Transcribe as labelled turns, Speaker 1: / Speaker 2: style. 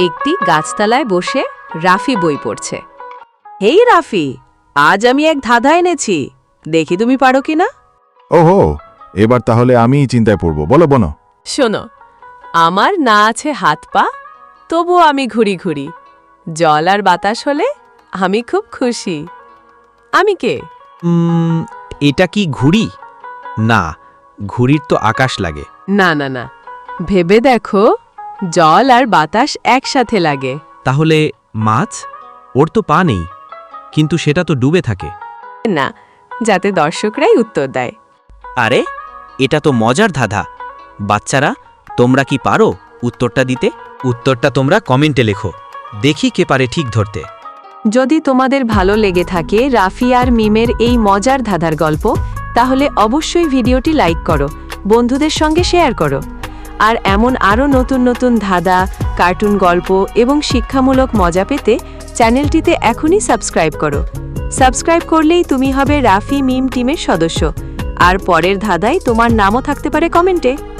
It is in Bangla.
Speaker 1: একটি গাছতলায় বসে রাফি বই পড়ছে। হেই রাফি, আজ আমি এক ধাঁধা এনেছি, দেখি তুমি পারো কিনা।
Speaker 2: ওহো, এবার তাহলে আমিই চিন্তায় পড়ব। বলো বলো।
Speaker 1: শোনো, আমার না আছে হাত পা, তবু আমি ঘুরি ঘুরি। জল আর বাতাস হলে আমি খুব খুশি। আমি কে?
Speaker 3: এটা কি ঘুড়ি? না, ঘুড়ির তো আকাশ লাগে।
Speaker 1: না না না, ভেবে দেখো, জল আর বাতাস একসাথে লাগে।
Speaker 3: তাহলে মাছ? ওর তো পা নেই, কিন্তু সেটা তো ডুবে থাকে।
Speaker 1: না, যাতে দর্শকরাই উত্তর দেয়।
Speaker 3: আরে, এটা তো মজার ধাঁধা। বাচ্চারা, তোমরা কি পারো উত্তরটা দিতে? উত্তরটা তোমরা কমেন্টে লেখো, দেখি কে পারে ঠিক ধরতে।
Speaker 1: যদি তোমাদের ভালো লেগে থাকে রাফি আর মিমের এই মজার ধাঁধার গল্প, তাহলে অবশ্যই ভিডিওটি লাইক করো, বন্ধুদের সঙ্গে শেয়ার করো। আর এমন আরও নতুন নতুন ধাঁধা, কার্টুন গল্প এবং শিক্ষামূলক মজা পেতে চ্যানেলটিতে এখনই সাবস্ক্রাইব করো। সাবস্ক্রাইব করলেই তুমি হবে রাফি মিম টিমের সদস্য, আর পরের ধাঁধায় তোমার নামও থাকতে পারে কমেন্টে।